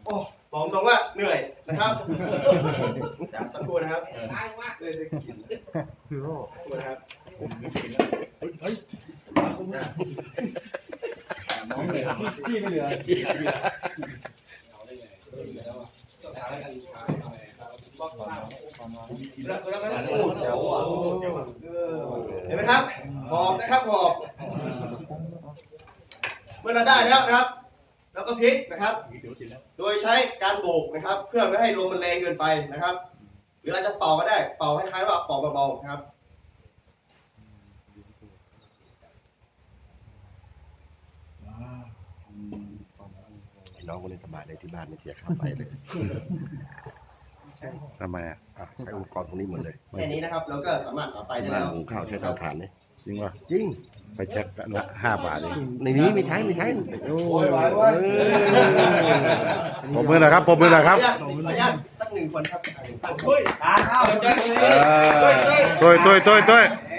โอ้บอกตรงว่าเหนื่อยนะครับเดี๋ยวสักครู่นะครับคือโรคนะครับน้องเลยพี่ไม่เหลือเห็นไหมครับหอบนะครับหอบเมื่อเราได้แล้วนะครับแล้วก็พลิกนะครับโดยใช้การโบกนะครับเพื่อไม่ให้ลมมันแรงเกินไปนะครับหรือเราจะเป่าก็ได้เป่าคล้ายๆว่าเป่าเบาๆนะครับน้องคนนี้สบายเลยที่บ้านไม่เสียค่าไฟเลยทำไมอ่ะใช้อุปกรณ์พวกนี้หมดเลยแค่นี้นะครับเราก็สามารถหาไฟได้บ้านแล้วหุงข้าวใช้เตาถ่านเลยจริงป่ะจริงไปเช็คละ5 บาทเองในนี้ไม่ใช้โอ้ยผมมือหน่อยครับผมมือหน่อยครับขออนุญาตสัก1 คนครับตั้งตัวตุ้ย